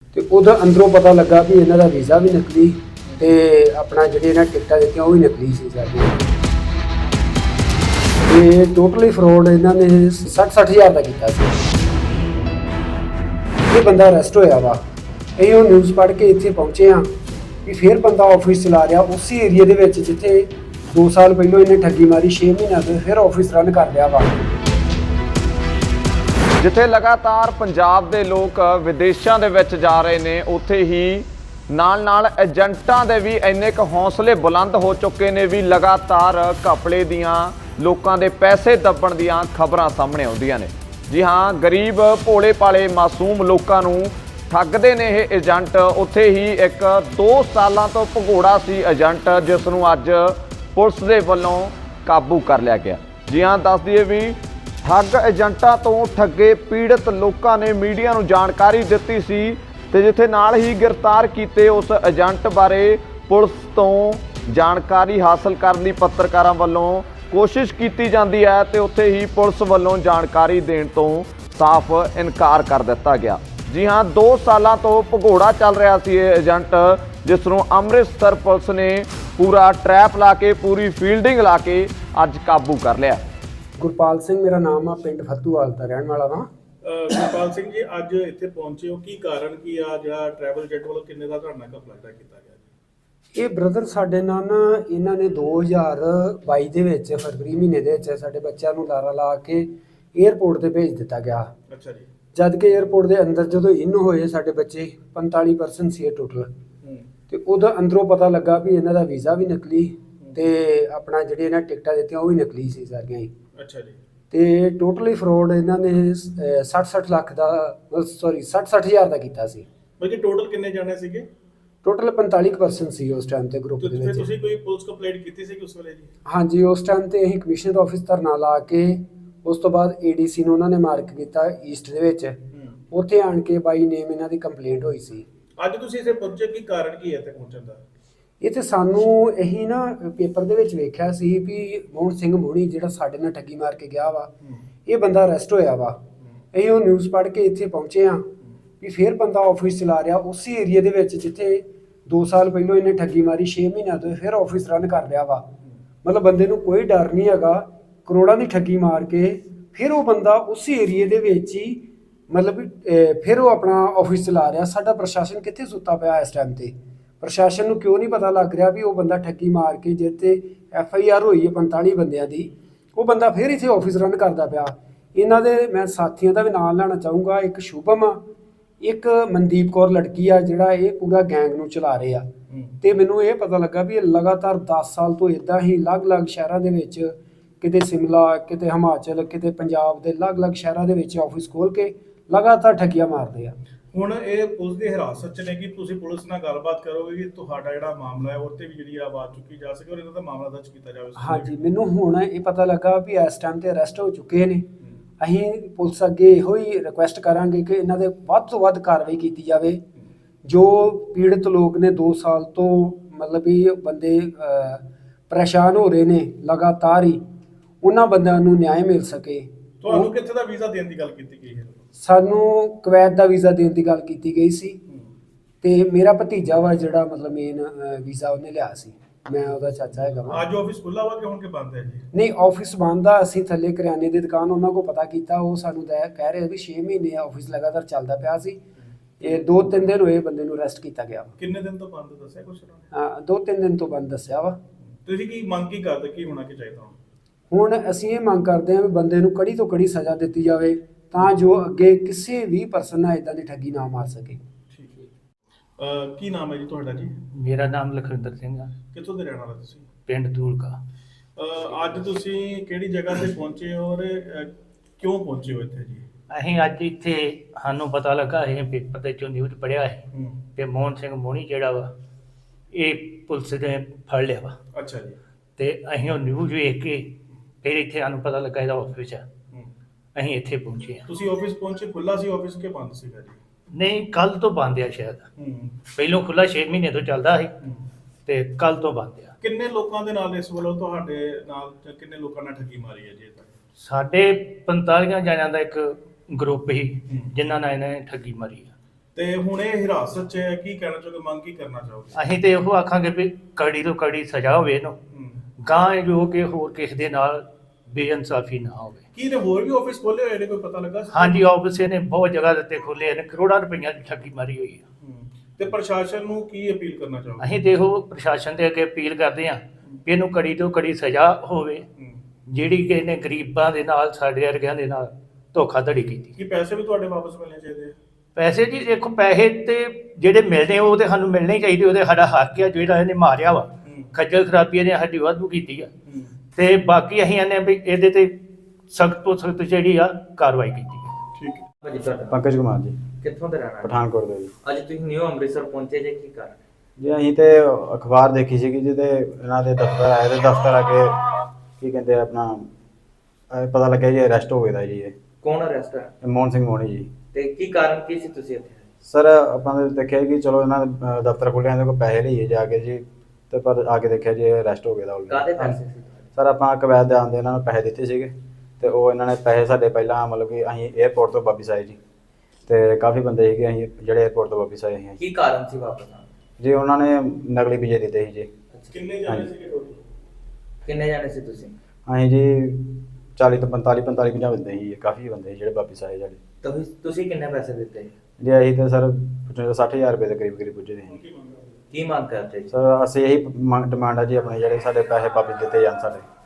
ਤੇ ਉਹਦਾ ਅੰਦਰੋਂ ਪਤਾ ਲੱਗਾ ਵੀ ਇਹਨਾਂ ਦਾ ਵੀਜ਼ਾ ਵੀ ਨਕਲੀ ਤੇ ਆਪਣਾ ਜਿਹੜੇ ਇਹਨਾਂ ਟਿਕਟਾਂ ਦਿੱਤੀਆਂ ਉਹ ਵੀ ਨਕਲੀ ਸੀ ਸਾਡੀਆਂ। ਤੇ ਟੋਟਲੀ ਫਰੋਡ ਇਹਨਾਂ ਨੇ 60 ਹਜ਼ਾਰ ਦਾ ਕੀਤਾ ਸੀ। ਇਹ ਬੰਦਾ ਅਰੈਸਟ ਹੋਇਆ ਵਾ। ਇਹ ਉਹ ਨਿਊਜ਼ ਪੜ੍ਹ ਕੇ ਇੱਥੇ ਪਹੁੰਚੇ ਹਾਂ ਵੀ ਫਿਰ ਬੰਦਾ ਆਫਿਸ ਚਲਾ ਰਿਹਾ ਉਸੇ ਏਰੀਆ ਦੇ ਵਿੱਚ ਜਿੱਥੇ 2 ਸਾਲ ਪਹਿਲਾਂ ਇਹਨੇ ਠੱਗੀ ਮਾਰੀ, 6 ਮਹੀਨਿਆਂ ਤੋਂ ਫਿਰ ਆਫਿਸ ਰਨ ਕਰ ਲਿਆ ਵਾ। ਜਿੱਥੇ ਲਗਾਤਾਰ ਪੰਜਾਬ ਦੇ ਲੋਕ ਵਿਦੇਸ਼ਾਂ ਦੇ ਵਿੱਚ ਜਾ ਰਹੇ ਨੇ, ਉੱਥੇ ਹੀ ਨਾਲ ਏਜੰਟਾਂ ਦੇ ਵੀ ਇੰਨੇ ਕੁ ਹੌਸਲੇ ਬੁਲੰਦ ਹੋ ਚੁੱਕੇ ਨੇ ਵੀ ਲਗਾਤਾਰ ਘਪਲੇ ਦੀਆਂ, ਲੋਕਾਂ ਦੇ ਪੈਸੇ ਦੱਬਣ ਦੀਆਂ ਖਬਰਾਂ ਸਾਹਮਣੇ ਆਉਂਦੀਆਂ ਨੇ। ਜੀ ਹਾਂ, ਗਰੀਬ ਭੋਲੇ ਭਾਲੇ ਮਾਸੂਮ ਲੋਕਾਂ ਨੂੰ ਠੱਗਦੇ ਨੇ ਇਹ ਏਜੰਟ। ਉੱਥੇ ਹੀ ਇੱਕ 2 ਸਾਲਾਂ ਤੋਂ ਭਗੌੜਾ ਸੀ ਏਜੰਟ, ਜਿਸ ਨੂੰ ਅੱਜ ਪੁਲਿਸ ਦੇ ਵੱਲੋਂ ਕਾਬੂ ਕਰ ਲਿਆ ਗਿਆ। ਜੀ ਹਾਂ, ਦੱਸ ਦਈਏ ਵੀ ਠੱਗ ਏਜੰਟਾਂ ਤੋਂ ਠੱਗੇ ਪੀੜਤ ਲੋਕਾਂ ਨੇ ਮੀਡੀਆ ਨੂੰ ਜਾਣਕਾਰੀ ਦਿੱਤੀ ਸੀ ਤੇ ਜਿੱਥੇ ਨਾਲ ਹੀ ਗ੍ਰਿਫਤਾਰ ਕੀਤੇ ਉਸ ਏਜੰਟ ਬਾਰੇ ਪੁਲਿਸ ਤੋਂ ਜਾਣਕਾਰੀ ਹਾਸਲ ਕਰਨ ਦੀ ਪੱਤਰਕਾਰਾਂ ਵੱਲੋਂ ਕੋਸ਼ਿਸ਼ ਕੀਤੀ ਜਾਂਦੀ ਹੈ ਤੇ ਉੱਥੇ ਹੀ ਪੁਲਿਸ ਵੱਲੋਂ ਜਾਣਕਾਰੀ ਦੇਣ ਤੋਂ ਸਾਫ਼ ਇਨਕਾਰ ਕਰ ਦਿੱਤਾ ਗਿਆ। ਜੀ ਹਾਂ, 2 ਸਾਲਾਂ ਤੋਂ ਭਗੌੜਾ ਚੱਲ ਰਿਹਾ ਸੀ ਇਹ ਏਜੰਟ, ਜਿਸ ਨੂੰ ਅੰਮ੍ਰਿਤਸਰ ਪੁਲਿਸ ਨੇ ਪੂਰਾ ਟਰੈਪ ਲਾ ਕੇ, ਪੂਰੀ ਫੀਲਡਿੰਗ ਲਾ ਕੇ ਅੱਜ ਕਾਬੂ ਕਰ ਲਿਆ। ਗੁਰਪਾਲ ਸਿੰਘ ਮੇਰਾ ਨਾਮ ਆ, ਪਿੰਡ ਫੱਤੂਵਾਲ ਦਾ ਰਹਿਣ ਵਾਲਾ ਵਾਂ। ਗੁਰਪਾਲ ਸਿੰਘ ਜੀ, ਅੱਜ ਇੱਥੇ ਪਹੁੰਚੇ ਹੋ, ਕੀ ਕਾਰਨ ਕੀ ਆ? ਜਿਹੜਾ ਟਰੈਵਲ ਏਜੰਟ ਵੱਲੋਂ ਕਿੰਨੇ ਦਾ ਤੁਹਾਡਾ ਘਪਲਾ ਕੀਤਾ ਗਿਆ? ਇਹ ਬ੍ਰਦਰ ਸਾਡੇ ਨਾਲ ਨਾ ਇਹਨਾਂ ਨੇ 2022 ਦੇ ਵਿੱਚ ਫਰਵਰੀ ਮਹੀਨੇ ਦੇ ਵਿੱਚ ਸਾਡੇ ਬੱਚਿਆਂ ਨੂੰ ਲਾਰਾ ਲਾ ਕੇ 에ਅਰਪੋਰਟ ਤੇ ਭੇਜ ਦਿੱਤਾ ਗਿਆ। ਅੱਛਾ ਜੀ। ਜਦ ਕਿ 에ਅਰਪੋਰਟ ਦੇ ਅੰਦਰ ਜਦੋਂ ਇਨ ਹੋਏ ਸਾਡੇ ਬੱਚੇ 45% ਸੀ ਟੋਟਲ, ਤੇ ਉਹਦਾ ਅੰਦਰੋਂ ਪਤਾ ਲੱਗਾ ਵੀ ਇਹਨਾਂ ਦਾ ਵੀਜ਼ਾ ਵੀ ਨਕਲੀ ਤੇ ਆਪਣਾ ਜਿਹੜੇ ਇਹਨਾਂ ਟਿਕਟਾਂ ਦਿੱਤੀਆਂ ਉਹ ਵੀ ਨਕਲੀ ਸੀ ਸਾਰੀਆਂ ਹੀ। ਅੱਛਾ ਜੀ। ਤੇ ਟੋਟਲੀ ਫਰੋਡ ਇਹਨਾਂ ਨੇ 60 ਲੱਖ ਦਾ, ਸੌਰੀ 60 ਹਜ਼ਾਰ ਦਾ ਕੀਤਾ ਸੀ। ਬਾਕੀ ਟੋਟਲ ਕਿੰਨੇ ਜਾਣੇ ਸੀਗੇ? ਟੋਟਲ 45% ਸੀ ਉਸ ਟਾਈਮ ਤੇ ਗਰੁੱਪ ਦੇ ਫਿਰ ਵਿੱਚ। ਤੁਸੀਂ ਕੋਈ ਪੁਲਿਸ ਕੰਪਲੇਂਟ ਕੀਤੀ ਸੀ ਉਸ ਵੇਲੇ ਜੀ? ਹਾਂਜੀ, ਉਸ ਟਾਈਮ ਤੇ ਅਸੀਂ ਕਮਿਸ਼ਨਰ ਆਫਿਸ ਧਰਨਾ ਲਾ ਕੇ ਉਸ ਤੋਂ ਬਾਅਦ ਏਡੀਸੀ ਨੂੰ ਉਹਨਾਂ ਨੇ ਮਾਰਕ ਕੀਤਾ ਈਸਟ ਦੇ ਵਿੱਚ, ਉੱਥੇ ਆਣ ਕੇ ਬਾਈ ਨੇਮ ਇਹਨਾਂ ਦੀ ਕੰਪਲੇਂਟ ਹੋਈ ਸੀ। ਅੱਜ ਤੁਸੀਂ ਇੱਥੇ ਪਹੁੰਚੇ, ਕੀ ਕਾਰਨ ਕੀ ਹੈ ਇੱਥੇ ਪਹੁੰਚਣ ਦਾ? ਇਹ ਤੇ ਸਾਨੂੰ ਇਹੀ ਨਾ ਪੇਪਰ ਦੇ ਵਿੱਚ ਵੇਖਿਆ ਸੀ ਵੀ ਮੋਹਨ ਸਿੰਘ ਮੋਹਣੀ ਜਿਹੜਾ ਸਾਡੇ ਨਾਲ ਠੱਗੀ ਮਾਰ ਕੇ ਗਿਆ ਵਾ, ਇਹ ਬੰਦਾ ਅਰੈਸਟ ਹੋਇਆ ਵਾ। ਅਸੀਂ ਉਹ ਨਿਊਜ਼ ਪੜ੍ਹ ਕੇ ਇੱਥੇ ਪਹੁੰਚੇ ਹਾਂ ਵੀ ਫਿਰ ਬੰਦਾ ਆਫਿਸ ਚਲਾ ਰਿਹਾ ਉਸੇ ਏਰੀਆ ਦੇ ਵਿੱਚ ਜਿੱਥੇ 2 ਸਾਲ ਪਹਿਲਾਂ ਇਹਨੇ ਠੱਗੀ ਮਾਰੀ, 6 ਮਹੀਨਿਆਂ ਤੋਂ ਫਿਰ ਆਫਿਸ ਰਨ ਕਰ ਲਿਆ ਵਾ। ਮਤਲਬ ਬੰਦੇ ਨੂੰ ਕੋਈ ਡਰ ਨਹੀਂ ਹੈਗਾ, ਕਰੋੜਾਂ ਦੀ ਠੱਗੀ ਮਾਰ ਕੇ ਫਿਰ ਉਹ ਬੰਦਾ ਉਸੇ ਏਰੀਏ ਦੇ ਵਿੱਚ ਹੀ ਮਤਲਬ ਫਿਰ ਉਹ ਆਪਣਾ ਆਫਿਸ ਚਲਾ ਰਿਹਾ। ਸਾਡਾ ਪ੍ਰਸ਼ਾਸਨ ਕਿੱਥੇ ਸੁੱਤਾ ਪਿਆ ਇਸ ਟਾਈਮ ਤੇ? ਪ੍ਰਸ਼ਾਸਨ ਨੂੰ ਕਿਉਂ ਨਹੀਂ ਪਤਾ ਲੱਗ ਰਿਹਾ ਵੀ ਉਹ ਬੰਦਾ ਠੱਗੀ ਮਾਰ ਕੇ ਜਿੱਥੇ FIR ਹੋਈ ਹੈ 45 ਬੰਦਿਆਂ ਦੀ, ਉਹ ਬੰਦਾ ਫਿਰ ਇੱਥੇ ਆਫਿਸ ਰਨ ਕਰਦਾ ਪਿਆ। ਇਹਨਾਂ ਦੇ ਮੈਂ ਸਾਥੀਆਂ ਦਾ ਵੀ ਨਾਮ ਲੈਣਾ ਚਾਹੂੰਗਾ। ਇੱਕ ਸ਼ੁਭਮ ਆ, ਇੱਕ ਮਨਦੀਪ ਕੌਰ ਲੜਕੀ ਆ, ਜਿਹੜਾ ਇਹ ਪੂਰਾ ਗੈਂਗ ਨੂੰ ਚਲਾ ਰਹੇ ਆ। ਤੇ ਮੈਨੂੰ ਇਹ ਪਤਾ ਲੱਗਾ ਵੀ ਇਹ ਲਗਾਤਾਰ 10 ਸਾਲ ਤੋਂ ਇਦਾਂ ਹੀ ਅਲੱਗ-ਅਲੱਗ ਸ਼ਹਿਰਾਂ ਦੇ ਵਿੱਚ, ਕਿਤੇ ਸ਼ਿਮਲਾ, ਕਿਤੇ ਹਿਮਾਚਲ, ਕਿਤੇ ਪੰਜਾਬ ਦੇ ਅਲੱਗ-ਅਲੱਗ ਸ਼ਹਿਰਾਂ ਦੇ ਵਿੱਚ ਆਫਿਸ ਖੋਲ ਕੇ ਲਗਾਤਾਰ ਠੱਗੀਆਂ ਮਾਰਦੇ ਆ। ਹੁਣ ਇਹ ਪੁਲਿਸ ਦੀ ਹਿਰਾਸਤ 'ਚ ਨੇ ਕਿ ਤੁਸੀਂ ਪੁਲਿਸ ਨਾਲ ਗੱਲਬਾਤ ਕਰੋਗੇ ਕਿ ਤੁਹਾਡਾ ਜਿਹੜਾ ਮਾਮਲਾ ਹੈ ਉਹ ਤੇ ਵੀ ਜਿਹੜੀ ਆਵਾਜ਼ ਚੁੱਕੀ ਜਾ ਸਕੇ ਔਰ ਇਹਨਾਂ ਦਾ ਮਾਮਲਾ ਦਰਜ ਕੀਤਾ ਜਾਵੇ? ਹਾਂਜੀ, ਮੈਨੂੰ ਹੁਣ ਇਹ ਪਤਾ ਲੱਗਾ ਵੀ ਇਸ ਟਾਈਮ ਤੇ ਅਰੈਸਟ ਹੋ ਚੁੱਕੇ ਨੇ। ਅਸੀਂ ਪੁਲਿਸ ਅੱਗੇ ਇਹੋ ਹੀ ਰਿਕੁਐਸਟ ਕਰਾਂਗੇ ਕਿ ਇਹਨਾਂ ਦੇ ਵੱਧ ਤੋਂ ਵੱਧ ਕਾਰਵਾਈ ਕੀਤੀ ਜਾਵੇ। ਜੋ ਪੀੜਤ ਲੋਕ ਨੇ 2 ਸਾਲ ਤੋਂ ਮਤਲਬ ਵੀ ਬੰਦੇ ਪਰੇਸ਼ਾਨ ਹੋ ਰਹੇ ਨੇ ਲਗਾਤਾਰ ਹੀ, ਉਹਨਾਂ ਬੰਦਿਆਂ ਨੂੰ ਨਿਆਂ ਮਿਲ ਸਕੇ। ਤੁਹਾਨੂੰ ਕਿੱਥੇ ਦਾ ਵੀਜ਼ਾ ਦੇਣ ਦੀ ਗੱਲ ਕੀਤੀ ਗਈ ਹੈ? ਸਾਨੂੰ ਕੁਵੈਤ ਦਾ ਵੀਜ਼ਾ ਦੇਣ ਦੀ ਗੱਲ ਕੀਤੀ ਗਈ ਸੀ ਤੇ ਮੇਰਾ ਭਤੀਜਾ ਵਾ ਜਿਹੜਾ ਮਤਲਬ ਮੇਨ ਵੀਜ਼ਾ ਉਹਨੇ ਲਿਆ ਸੀ। ਮੈਂ ਉਹਦਾ ਚਾਚਾ ਹੈਗਾ ਵਾ। ਅੱਜ ਆਫਿਸ ਖੁੱਲਾ ਵਾ ਕਿ ਹੁਣ ਕਿ ਬੰਦ ਹੈ ਜੀ? ਨਹੀਂ, ਆਫਿਸ ਬੰਦ ਆ। ਅਸੀਂ ਥੱਲੇ ਕਰਿਆਨੇ ਦੀ ਦੁਕਾਨ ਉਹਨਾਂ ਕੋਲ ਪਤਾ ਕੀਤਾ, ਉਹ ਸਾਨੂੰ ਕਹਿ ਰਹੇ ਵੀ 6 ਮਹੀਨੇ ਆਫਿਸ ਲਗਾਤਾਰ ਚੱਲਦਾ ਪਿਆ ਸੀ। ਇਹ 2-3 ਦਿਨ ਹੋਏ ਬੰਦੇ ਨੂੰ ਅਰੈਸਟ ਕੀਤਾ ਗਿਆ ਵਾ। ਕਿੰਨੇ ਦਿਨ ਤੋਂ ਬੰਦ ਦੱਸਿਆ ਕੁਛ? ਹਾਂ, 2-3 ਦਿਨ ਤੋਂ ਬੰਦ ਦੱਸਿਆ ਵਾ। ਤੁਸੀਂ ਕੀ ਮੰਗ ਕੀ ਕਰਦੇ, ਕੀ ਹੋਣਾ ਕੀ ਚਾਹੀਦਾ? ਹੁਣ ਅਸੀਂ ਇਹ ਮੰਗ ਕਰਦੇ ਹਾਂ ਵੀ ਬੰਦੇ ਨੂੰ ਕੜੀ ਤੋਂ ਕੜੀ ਸਜ਼ਾ ਦਿੱਤੀ ਜਾਵੇ ਤਾਂ ਜੋ ਅੱਗੇ ਕਿਸੇ ਵੀ ਪਰਸਨ ਨਾਲ ਇਦਾਂ ਦੀ ਠੱਗੀ ਨਾ ਮਾਰ ਸਕੇ। ਠੀਕ ਹੈ। ਕੀ ਨਾਮ ਹੈ ਜੀ ਤੁਹਾਡਾ ਜੀ? ਮੇਰਾ ਨਾਮ ਲਖਵਿੰਦਰ ਸਿੰਘ ਆ। ਕਿੱਥੋਂ ਦੇ ਰਹਿਣ ਵਾਲੇ ਤੁਸੀਂ? ਪਿੰਡ ਧੂਲਕਾ। ਅੱਜ ਤੁਸੀਂ ਕਿਹੜੀ ਜਗ੍ਹਾ ਤੇ ਪਹੁੰਚੇ ਹੋ ਔਰ ਕਿਉਂ ਪਹੁੰਚੇ ਹੋ ਇੱਥੇ ਜੀ? ਅਸੀਂ ਅੱਜ ਇੱਥੇ ਸਾਨੂੰ ਪਤਾ ਲੱਗਾ, ਅਸੀਂ ਪੇਪਰ ਦੇ ਚੋਂ ਨਿਊਜ਼ ਪੜ੍ਹਿਆ ਸੀ ਤੇ ਮੋਹਨ ਸਿੰਘ ਮੋਹਣੀ ਜਿਹੜਾ ਵਾ ਇਹ ਪੁਲਿਸ ਨੇ ਫੜ ਲਿਆ ਵਾ। ਅੱਛਾ ਜੀ। ਤੇ ਅਸੀਂ ਉਹ ਨਿਊਜ਼ ਵੇਖ ਕੇ ਫਿਰ ਇੱਥੇ ਸਾਨੂੰ ਪਤਾ ਲੱਗਾ ਇਹਦਾ ਆਫਿਸ ਆ, ਅਸੀਂ ਇੱਥੇ ਪਹੁੰਚੇ ਹਾਂ। ਤੁਸੀਂ ਆਫਿਸ ਪਹੁੰਚੇ, ਖੁੱਲਾ ਸੀ ਆਫਿਸ ਕਿ ਬੰਦ ਸੀਗਾ ਜੀ? ਨਹੀਂ, ਕੱਲ ਤੋਂ ਬੰਦ ਆ ਸ਼ਾਇਦ। ਪਹਿਲੋਂ ਖੁੱਲਾ 6 ਮਹੀਨੇ ਤੋਂ ਚੱਲਦਾ ਸੀ ਤੇ ਕੱਲ ਤੋਂ ਬੰਦ ਆ। ਕਿੰਨੇ ਲੋਕਾਂ ਦੇ ਨਾਲ ਇਸ ਵੱਲੋਂ ਤੁਹਾਡੇ ਨਾਲ ਕਿੰਨੇ ਲੋਕਾਂ ਨਾਲ ਠੱਗੀ ਮਾਰੀ ਹੈ ਜੀ? ਸਾਡੇ 45 ਜਣਿਆਂ ਦਾ ਇੱਕ ਗਰੁੱਪ ਸੀ ਜਿਨ੍ਹਾਂ ਨਾਲ ਇਹਨਾਂ ਨੇ ਠੱਗੀ ਮਾਰੀ ਆ। ਤੇ ਹੁਣ ਇਹ ਹਿਰਾਸਤ 'ਚ ਹੈ, ਕੀ ਕਹਿਣਾ ਚਾਹੋਗੇ, ਮੰਗ ਕੀ ਕਰਨਾ ਚਾਹੋਗੇ? ਅਸੀਂ ਤੇ ਇਹੋ ਆਖਾਂਗੇ ਵੀ ਕੜੀ ਤੋਂ ਕੜੀ ਸਜ਼ਾ ਹੋਵੇ ਇਹਨੂੰ, ਗਾਂ ਜੋ ਕਿ ਹੋਰ ਕਿਸੇ ਦੇ ਨਾਲ ਬੇਇਨਸਾਫੀ ਨਾ ਹੋਵੇ। ਕੀ ਨੇ ਹੋਰ ਵੀ ਆਫਿਸ ਖੋਲੇ ਹੋਏ ਨੇ, ਕੋਈ ਪਤਾ ਲੱਗਾ? ਹਾਂਜੀ, ਆਫਿਸ ਇਹਨੇ ਬਹੁਤ ਜਗ੍ਹਾ ਦੇ ਉੱਤੇ ਖੋਲ੍ਹੇ ਨੇ, ਕਰੋੜਾਂ ਰੁਪਈਆਂ ਦੀ ਠੱਗੀ ਮਾਰੀ ਹੋਈ ਹੈ। ਤੇ ਪ੍ਰਸ਼ਾਸਨ ਨੂੰ ਕੀ ਅਪੀਲ ਕਰਨਾ ਚਾਹੋਗੇ? ਅਸੀਂ ਦੇਖੋ ਪ੍ਰਸ਼ਾਸਨ ਦੇ ਅੱਗੇ ਅਪੀਲ ਕਰਦੇ ਹਾਂ ਕਿ ਇਹਨੂੰ ਕੜੀ ਤੋਂ ਕੜੀ ਸਜ਼ਾ ਹੋਵੇ, ਜਿਹੜੀ ਕਿ ਇਹਨੇ ਗਰੀਬਾਂ ਦੇ ਨਾਲ, ਸਾਡੇ ਵਰਗਿਆਂ ਦੇ ਨਾਲ ਧੋਖਾਧੜੀ ਕੀਤੀ। ਕੀ ਪੈਸੇ ਵੀ ਤੁਹਾਡੇ ਵਾਪਸ ਮਿਲਣੇ ਚਾਹੀਦੇ ਆ? ਪੈਸੇ ਜੀ ਦੇਖੋ, ਪੈਸੇ ਤੇ ਜਿਹੜੇ ਮਿਲਣੇ ਉਹ ਤੇ ਸਾਨੂੰ ਮਿਲਣੇ ਹੀ ਚਾਹੀਦੇ, ਉਹਦੇ ਸਾਡਾ ਹੱਕ ਆ। ਜਿਹੜਾ ਇਹਨੇ ਮਾਰਿਆ ਵਾ, ਖੱਜਲ ਖਰਾਬੀ ਇਹਨੇ ਸਾਡੀ ਵਾਧੂ ਕੀਤੀ ਆ, ਤੇ ਬਾਕੀ ਅਸੀਂ ਆਨੇ ਵੀ ਇਹਦੇ ਤੇ ਸਖਤ ਤੋਂ ਸਖਤ ਜਿਹੜੀ ਆ ਕਾਰਵਾਈ ਕੀਤੀ ਹੈ। ਠੀਕ ਹੈ। ਭਾਜੀ ਤੁਹਾਡਾ ਪੰਕਜ ਕੁਮਾਰ ਜੀ, ਕਿੱਥੋਂ ਦੇ ਰਹਿਣ ਵਾਲੇ? ਪਠਾਨਕੋਟ ਤੋਂ ਜੀ। ਅੱਜ ਤੁਸੀਂ ਨਿਊ ਅੰਮ੍ਰਿਤਸਰ ਪਹੁੰਚੇ ਜੇ, ਕੀ ਕਾਰਨ? ਜੀ ਅਸੀਂ ਤੇ ਅਖਬਾਰ ਦੇਖੀ ਸੀਗੀ ਜਿਹਦੇ ਇਹਨਾਂ ਦੇ ਦਫ਼ਤਰ ਆਏ ਤੇ ਦਫ਼ਤਰ ਆ ਕੇ ਕੀ ਕਹਿੰਦੇ ਆ ਆਪਣਾ ਪਤਾ ਲੱਗਿਆ ਜੀ ਅਰੈਸਟ ਹੋ ਗਿਆ ਦਾ ਜੀ। ਇਹ ਕੌਣ ਅਰੈਸਟ ਹੈ ਮੋਹਨ ਸਿੰਘ ਮੋਹਣੀ ਜੀ। ਤੇ ਕੀ ਕਾਰਨ ਕੀ ਸੀ ਤੁਸੀਂ ਇੱਥੇ? ਸਰ ਆਪਾਂ ਨੇ ਦੇਖਿਆ ਕਿ ਚਲੋ ਇਹਨਾਂ ਦੇ ਦਫ਼ਤਰ ਖੁੱਲਿਆ, ਇਹਦੇ ਕੋਲ ਪੈਸੇ ਲਈਏ ਜਾ ਕੇ ਜੀ, ਤੇ ਪਰ ਆ ਕੇ ਦੇਖਿਆ ਜੀ ਅਰੈਸਟ ਹੋ ਗਿਆ ਦਾ ਕਾਹਦੇ already। ਪੈਸੇ ਸੀ? ਸਰ ਆਪਾਂ ਕਵੈਤ ਦੇ ਆਉਂਦੇ ਇਹਨਾਂ ਨੂੰ ਪੈਸੇ ਦਿੱਤੇ ਸੀਗੇ, ਤੇ ਉਹ ਇਹਨਾਂ ਨੇ ਪੈਸੇ ਸਾਡੇ ਪਹਿਲਾਂ ਮਤਲਬ ਕਿ ਅਸੀਂ 에ਅਰਪੋਰਟ ਤੋਂ ਵਾਪਸ ਆਏ ਜੀ, ਤੇ ਕਾਫੀ ਬੰਦੇ ਸੀਗੇ ਅਸੀਂ ਜਿਹੜੇ 에ਅਰਪੋਰਟ ਤੋਂ ਵਾਪਸ ਆਏ ਸੀ ਕੀ ਕਾਰਨ ਸੀ ਵਾਪਸ ਆਉਣ ਦਾ? ਜੀ। ਉਹਨਾਂ ਨੇ ਨਕਲੀ ਵੀਜ਼ੇ ਦਿੱਤੇ ਸੀ ਜੀ। ਕਿੰਨੇ ਜਾਣੇ ਸੀਗੇ ਟੋਟਲ? ਕਿੰਨੇ ਜਾਣੇ ਸੀ ਤੁਸੀਂ? ਅਸੀਂ ਜੀ 40 ਤੋਂ 45 50 ਬੰਦੇ ਸੀ, ਕਾਫੀ ਬੰਦੇ ਸੀ ਜਿਹੜੇ ਵਾਪਸ ਆਏ ਸਾਡੇ। ਤੁਸੀਂ ਕਿੰਨੇ ਪੈਸੇ ਦਿੱਤੇ? ਜੀ ਅਸੀਂ ਤਾਂ ਸਰ 60,000 ਰੁਪਏ ਦੇ ਕਰੀਬ ਪੁੱਜੇ ਸੀ। ਕੀ ਮੰਗ ਕਰਦੇ ਜੀ? ਸਰ ਅਸੀਂ ਇਹੀ ਡਿਮਾਂਡ ਆ ਜੀ, ਆਪਣੇ ਜਿਹੜੇ ਸਾਡੇ ਪੈਸੇ ਵਾਪਸ ਦਿੱਤੇ ਜਾਣ ਸਾਡੇ।